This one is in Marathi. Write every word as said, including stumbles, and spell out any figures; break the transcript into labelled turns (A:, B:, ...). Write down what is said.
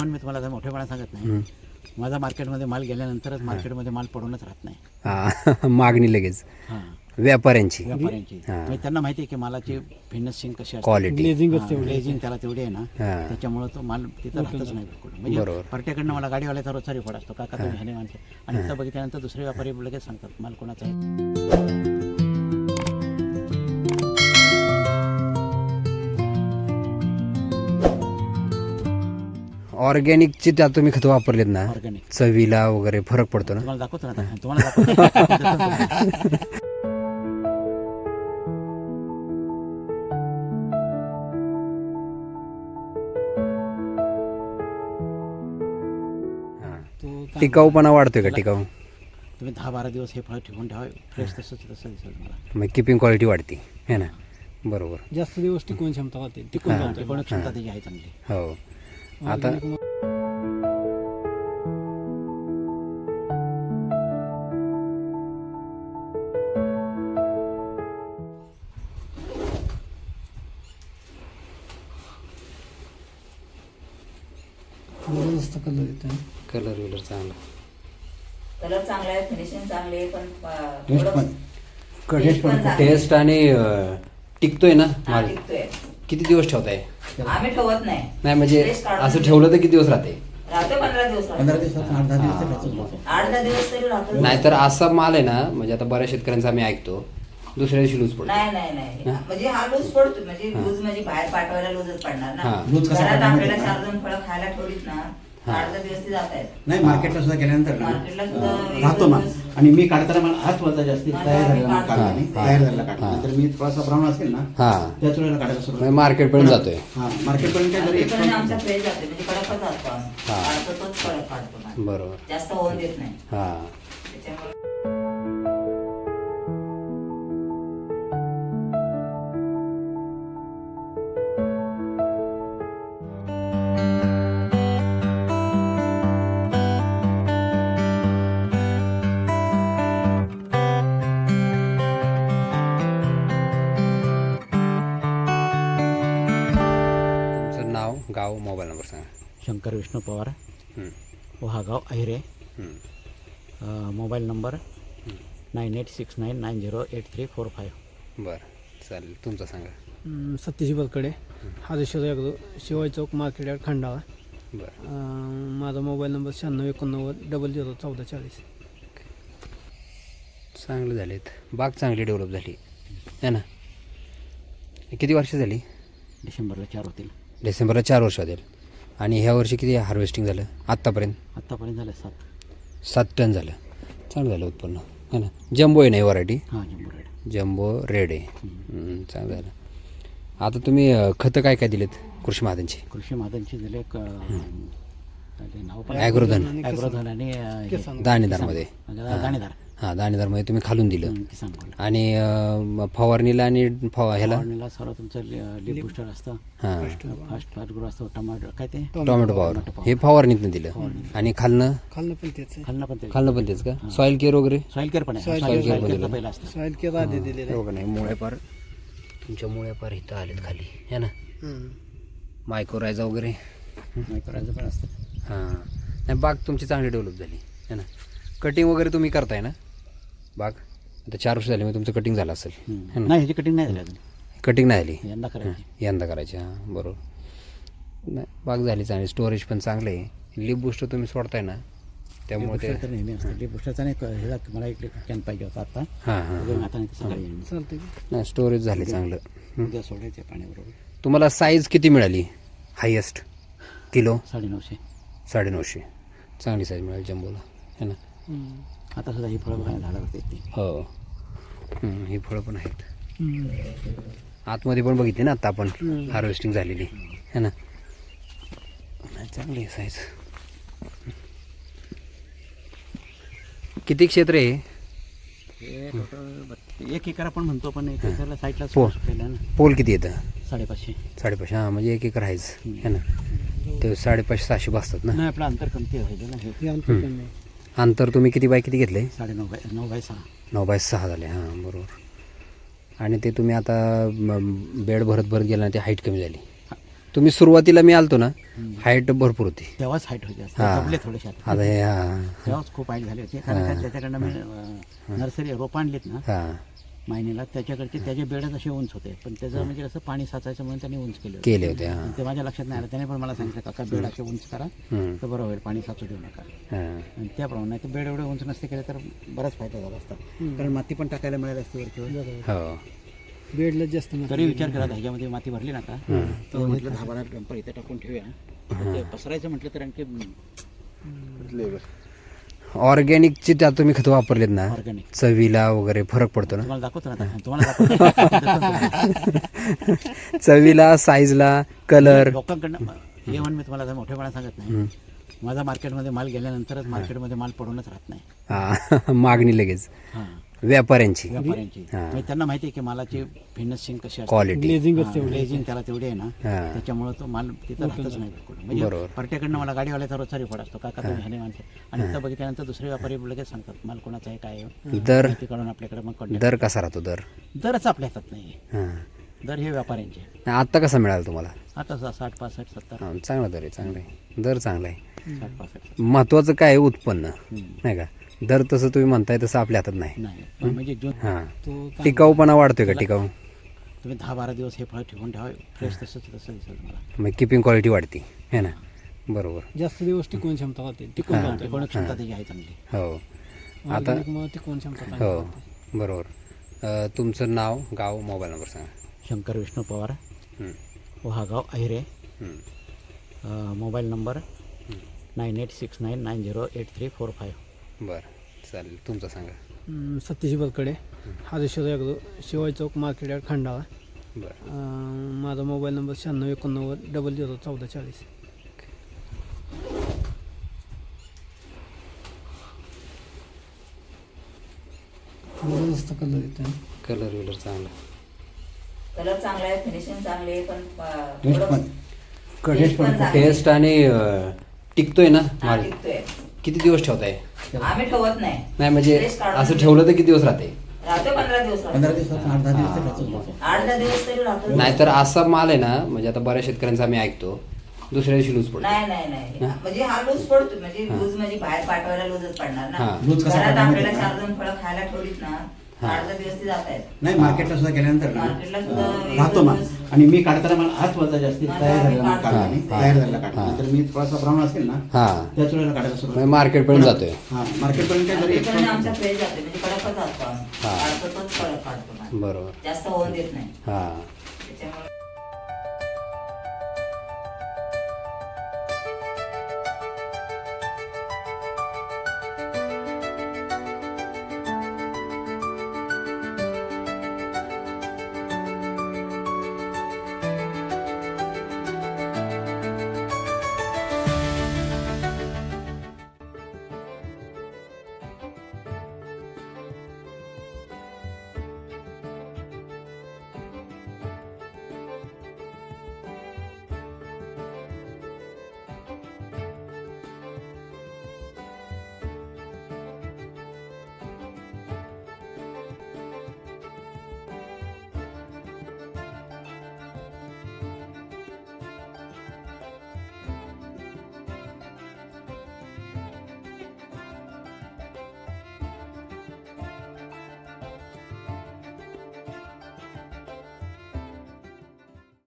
A: मोहन मी तुम्हाला मोठेपणा सांगत नाही, माझा मार्केटमध्ये माल गेल्यानंतरच मार्केटमध्ये माल पडूनच राहत नाही.
B: हां मागणी लगेच
A: हां
B: व्यापाऱ्यांची
A: व्यापाऱ्यांची म्हणजे त्यांना माहिती आहे की मालाची फिनिशिंग कशी असते,
B: क्वालिटी
A: ग्लेझिंग त्याला तेवढी आहे ना,
B: हां
A: त्याच्यामुळे तो माल तिथं राहतच नाही बिलकुल. म्हणजे
B: बरोबर.
A: पर्ट्याकडनं मला गाडीवाल्याचा रोजचा रिपोर्ट असतो, काका तुम्ही ह्याने माणसं, आणि तिथं बघितल्यानंतर दुसरे व्यापारी लगेच सांगतात माल कोणाचा आहे.
B: ऑर्गॅनिकचे त्यात तुम्ही खतं वापरलेत ना,
A: ऑर्गॅनिक
B: चवीला वगैरे फरक पडतो ना.
A: तुम्हाला दाखवतो ना आता. तुम्हाला दाखवतो.
B: टिकाऊपणा वाढतोय का? टिकाऊ
A: तुम्ही दहा बारा दिवस हे फळ ठेवून ठेवा, फ्रेश तसंच तसं दिसेल तुम्हाला.
B: मग किपिंग क्वालिटी वाढते है ना. बरोबर.
C: जास्त दिवस टिकवून क्षमता होते.
A: टिकून जाऊन टिकवण क्षमता त्याची आहे चांगली.
B: हो. आता
C: जास्त कलर येतो.
B: कलर विलर चांगला,
D: कलर चांगला आहे, फिनिशिंग चांगली आहे, पण
A: टेस्ट पण
D: टेस्ट पण चांगली.
B: टेस्ट आणि अं, टिकतोय ना
D: हा,
B: माल.
D: टिकतोय.
B: किती दिवस ठेवताय?
D: आम्ही ठेवत नाही.
B: नाही म्हणजे
D: टेस्ट काढून
B: असं ठेवलं तर किती दिवस राहते?
D: राहते पंधरा दिवस राहते.
A: पंधरा दिवसात आठ दहा दिवस तर त्याचंच होतं.
D: आठ दहा दिवस तरी राहतो.
B: नाहीतर असा माल आहे ना, म्हणजे आता बऱ्याच शेतकऱ्यांचा आम्ही ऐकतो दुसऱ्या दिवशी लूज पडतो.
D: नाही नाही नाही म्हणजे हा लूज पडतो, म्हणजे लूज म्हणजे बाहेर पाठवायला लूजच पडणार
B: हा.
D: ना.
A: लूज कसा
D: घरात
A: पडणार माहिती
D: आपल्याला
A: आहे
D: चार दोन फळं खायला ठेवलीत ना, आठ दहा दिवस ती जात आहेत.
A: नाही मार्केटला सुद्धा गेल्यानंतर ना,
D: मार्केटला सुद्धा
A: अं,
D: एक
A: राहतो
D: दोन
A: माल.
D: दिवस.
A: आणि मी काढताना मला हात वजा जास्ती
D: हा,
A: तयार झालेला माल
D: हा,
A: काढला नाही,
B: हा.
A: तयार झालेला काढला.
B: हा.
A: नंतर मी थोडासा ब्राऊन असेल ना,
B: हा
A: त्याच वेळेला काढायला सुरुवात
B: म्हणजे मार्केटपर्यंत जातोय.
A: हा मार्केटपर्यंत काय जरी
D: पण आमचा फ्रेश जाते, म्हणजे कडकच असतो आम्ही.
B: हा.
D: काढतो तोच कडक काढतो माल.
B: बरोबर.
D: जास्त होऊन देत नाही
B: हा
D: त्याच्यामुळे.
B: तुमचं नाव, गाव, मोबाईल नंबर सांगा.
A: शंकर विष्णू पवार,
B: हं,
A: वहागाव अहिरे,
B: हं.
A: अं, mobile number nine eight six nine nine zero eight three four five.
B: बरं चालेल. तुमचं सांगा.
C: अं, सत्यजी बलकडे, हादेश्वर यागदो, शिवाय चौक, मार्केट यार्ड, खंडाळा.
B: बरं
C: अं, माझा मोबाईल नंबर शहाण्णव एकोणनव्वद डबल झिरो चौदा चाळीस.
B: चांगले झालेत. बाग चांगली डेव्हलप झाली है ना. किती वर्ष झाली?
A: डिसेंबरला चार होतील.
B: डिसेंबरला चार वर्ष होतील. आणि ह्या वर्षी किती हार्वेस्टिंग झालं आत्तापर्यंत?
A: आत्तापर्यंत झालं सात.
B: सात टन झालं. चांगलं झालं उत्पन्न है ना. जम्बो आहे नाही व्हरायटी?
A: हां जम्बो रेड.
B: जम्बो रेड आहे. हं, चांगलं झालं. आता तुम्ही अं, खतं काय काय दिलेत कृषी महाजनची?
A: कृषी मादनची दिले एक अं, ते नाव पण
B: ॲग्रोधन,
A: ॲग्रोधन आणि अं, हे,
B: दाणेदारमध्ये.
A: किसान. दाणेदार
B: हां दाणेदारमध्ये तुम्ही खालून दिलं.
A: हं, किसान गोल्ड.
B: आणि अं, फवारणीला आणि फव ह्याला
A: फवारणीला सर्व तुमचं लिप बुस्टर असतं,
B: हां
A: फास्ट फास्ट ग्रो असतो, टमाटो काय ते
B: टोमॅटो पॉवर हे फवारणीतनं दिलं. आणि खालनं
C: खाल्लं पण तेच आहे.
A: खाल्लं पण ते
B: खालनं पण तेच का? सॉईल केअर वगैरे?
A: सॉईल केअर पण आहे.
C: Soil
A: सॉईल
B: care पण
A: केअर
B: दिलं.
A: पहिलं असतं.
C: सॉईल केअर आधी दिलेलं आहे.
B: हो का नाही. मुळे पार तुमच्या मुळे पार इथं आलेत खाली है ना.
C: हं.
B: मायक्रोरायझा वगैरे.
A: नाही करायचं पण असतं.
B: हां नाही बाग तुमची चांगली डेव्हलप झाली है ना. कटिंग वगैरे तुम्ही करताय ना बाग? आता चार वर्ष झाली मग तुमचं कटिंग झालं असेल है
A: हं.
B: ना.
A: नाही ह्याची कटिंग नाही झाली अजून,
B: कटिंग नाही झाली
A: यंदा करायची.
B: यंदा करायची. हां बरोबर. नाही बाग झाली चांगली. स्टोरेज पण चांगलं आहे. लिप बुस्टर तुम्ही सोडताय ना त्यामुळे ते.
A: तर नेहमी असतं लिप बुस्टरचा नाही क- ह्याला मला एक कॅन पाहिजे होता आता.
B: हां हां
A: अजून आता नाही तर सकाळी येईन.
C: चालतंय की.
B: नाही स्टोरेज झाले चांगलं.
A: उद्या सोडायचे पाण्याबरोबर.
B: तुम्हाला साईज किती मिळाली हायेस्ट? किलो
A: साडेनऊशे.
B: साडेनऊशे. चांगली साईज मिळाली जम्बोला है ना.
C: हं.
A: आता सुद्धा ही फळं बघायला झाडावर होते ती.
B: हो हं, ही फळं पण आहेत.
C: हं.
B: आतमध्ये पण बघितली ना आता आपण हार्वेस्टिंग झालेली है ना. नाही, चांगली आहे साईज. किती क्षेत्र आहे?
A: हे टोटल एक एकर आपण म्हणतो, पण एक एकरला साईडला
B: हो.
A: सुटलेलं आहे ना.
B: पोल किती येतं?
A: साडेपाचशे.
B: साडेपाचशे. हां म्हणजे एक एकर आहेच है ना. ते साडेपाचशे सहाशे बसतात ना.
A: नाही आपलं अंतर कमती व्हायचं ना. हे
C: हे अंतर कमी आहे.
B: अंतर तुम्ही किती बाय किती घेतले?
A: साडेनऊ बाय नऊ बाय सहा.
B: नऊ बाय सहा झाले. हां बरोबर. आणि ते तुम्ही आता म, बेड भरत भरत गेला ना ते हाईट कमी झाली. तुम्ही सुरुवातीला मी आलतो ना हाईट भरपूर होती.
A: तेव्हाच हाईट होती असते
B: हा.
A: दबले थोडेसे आता.
B: आता हे हा
A: तेव्हाच खूप हाईट झाली होती कारण का त्याच्याकडनं मी अं, नर्सरी रोप आणलीत ना
B: हा
A: मायनीला त्याच्याकडचे त्याचे बेडच असे उंच होते पण त्याचं म्हणजे कसं पाणी साचायचं म्हणून त्यांनी उंच केले होते.
B: केले होते हा
A: ते माझ्या लक्षात नाही आलं त्याने पण मला सांगितलं काका बेड असे उंच करा
B: हम्म.
A: तर बरं होईल पाणी साचू देऊ नका
B: हा.
A: आणि त्याप्रमाणे ते बेड एवढे उंच नसते केले तर बराच फायदा झाला असता कारण माती पण टाकायला मिळाली असते वरच्यावर.
B: हो
C: बेडला जास्त माती.
A: तरी विचार केला ह्याच्यामध्ये माती भरली ना का तर म्हटलं दहा बारा डंपर इथे टाकून ठेवूया तर ते पसरायचं म्हटलं तर आणखी
B: ऑर्गॅनिकची त्यात तुम्ही खतं वापरलेत ना
A: ऑर्गॅनिक
B: चवीला वगैरे फरक पडतो ना.
A: तुम्हाला दाखवतो ना आता. तुम्हाला दाखवतो
B: चवीला साईजला कलर.
A: लोकांकडनं हे म्हण मी तुम्हाला मोठेपणा सांगत नाही माझा मार्केटमध्ये माल गेल्यानंतरच मार्केटमध्ये माल पडूनच राहत नाही.
B: हा मागणी लगेच
A: हां
B: व्यापाऱ्यांची
A: व्यापाऱ्यांची
B: हा.
A: म्हणजे त्यांना माहिती आहे की मालाची फिनिशिंग कशी असते
B: क्वालिटी.
C: ग्लेझिंगच तेवढी.
A: ग्लेझिंग त्याला तेवढी आहे ना
B: हा.
A: त्याच्यामुळे तो माल तिथं राहतच नाही बिलकुल. म्हणजे
B: बरोबर.
A: पार्ट्याकडनं मला गाडीवाल्याचा रोजचा रिपोर्ट असतो काका तुम्ही ह्याने माणसं आणि तिथं बघितल्यानंतर दुसरे व्यापारी लगेच सांगतात माल कोणाचा आहे काय आहे
B: दर
A: माहिती काढून आपल्याकडे मग कॉन्टॅक्ट.
B: दर कसा राहतो दर.
A: दरच आपल्या हातात नाही
B: हा
A: दर हे व्यापाऱ्यांचे.
B: आत्ता कसा मिळाला तुम्हाला.
A: आता सा- साठ पासष्ट सत्तर
B: हा, चांगला दर आहे चांगला आहे दर चांगला आहे.
A: साठ पासष्ट
B: महत्वाचं काय आहे उत्पन्न
A: हम्म.
B: नाही का. दर तसं तुम्ही म्हणताय तसं आपल्या हातात नाही.
A: नाही पण म्हणजे जून
B: हा
C: तो चांगला.
B: टिकाऊपणा वाढतोय का टिकाऊ.
A: तुम्ही दहा बारा दिवस हे फळ ठेवून ठेवा फ्रेश तसंच तसं दिसेल तुम्हाला.
B: मग किपिंग क्वालिटी वाढते है ना. बरोबर
C: जास्त दिवस टिकवून क्षमता राहते. टिकून
B: हा.
C: राहते.
A: कोण क्षमता त्याची आहे चांगली.
B: हो आता
C: Organic मुळे टिकवून क्षमता चांगली
B: हो
C: राहते.
B: बरोबर. अ, तुमचं नाव गाव मोबाईल नंबर सांगा.
A: शंकर विष्णू पवार
B: हं,
A: वहागाव अहिरे
B: हं.
A: अ, mobile number nine eight six nine nine zero eight three four five.
B: बरं चालेल तुमचं सांगा.
C: हम्म, सतीश बलकडे हादेश्वर यागलो शिवाय चौक मार्केट यार्ड खंडाळा.
B: बरं
C: अं, माझा मोबाईल नंबर शहाण्णव एकोणनव्वद डबल झिरो चौदा चाळीस. कलर येतो
B: कलर विलर चांगला.
D: कलर चांगला आहे फिनिशिंग चांगली आहे पण अं,
A: टेस्ट
D: थोडं-
A: पण
D: टेस्ट पण चांगली आहे.
B: टेस्ट आणि अ, टिकतोय ना
D: हा,
B: माल.
D: टिकतोय.
B: किती दिवस ठेवताय.
D: आम्ही ठेवत नाही
B: नाही म्हणजे
D: Fresh काढून
B: असं ठेवलं तर किती दिवस राहते.
D: राहतो पंधरा दिवस राहतो.
A: पंधरा दिवसात आठ दहा दिवस तर राहतोच राहतो.
D: आठ दहा दिवस तरी राहतो.
B: नाहीतर असा माल आहे ना म्हणजे आता बऱ्याच शेतकऱ्यांचा आम्ही ऐकतो दुसऱ्या दिवशी लूज पडतो.
D: नाही नाही नाही म्हणजे हा लूज पडतो म्हणजे लूज म्हणजे बाहेर पाठवायला लूजच पडणार ना.
B: हा.
A: लूज कसा
D: घरात
A: पडणार
D: आपल्याला
A: माहिती
D: चार दोन फळं खायला ठेवलीत ना
B: हा.
D: आठ दहा दिवस ती जात आहेत.
A: नाही मार्केटला सुद्धा गेल्यानंतर ना
D: मार्केटला सुद्धा
A: अं,
D: एक
A: राहतो माल
D: दिवस-
A: आणि मी काढताना मला हाच वजा जास्ती
D: माझा
A: तयार
D: आम्ही
A: झालेला माल
D: काढतो.
A: काढला नाही
B: हा.
A: तयार झालेला काढला
B: हा.
A: नंतर मी थोडासा ब्राऊन असेल ना
B: हा
A: त्याच वेळेला काढायला सुरुवात
B: म्हणजे मार्केटपर्यंत जातोय.
A: हा मार्केटपर्यंत काय जरी
D: मार्केटपर्यंत आमचा फ्रेश जातो म्हणजे कडकच असतो आम्ही.
B: हा.
D: काढतो तोच कडक काढतो माल.
B: बरोबर
D: जास्त होऊन देत नाही
B: हा
D: त्याच्यामुळे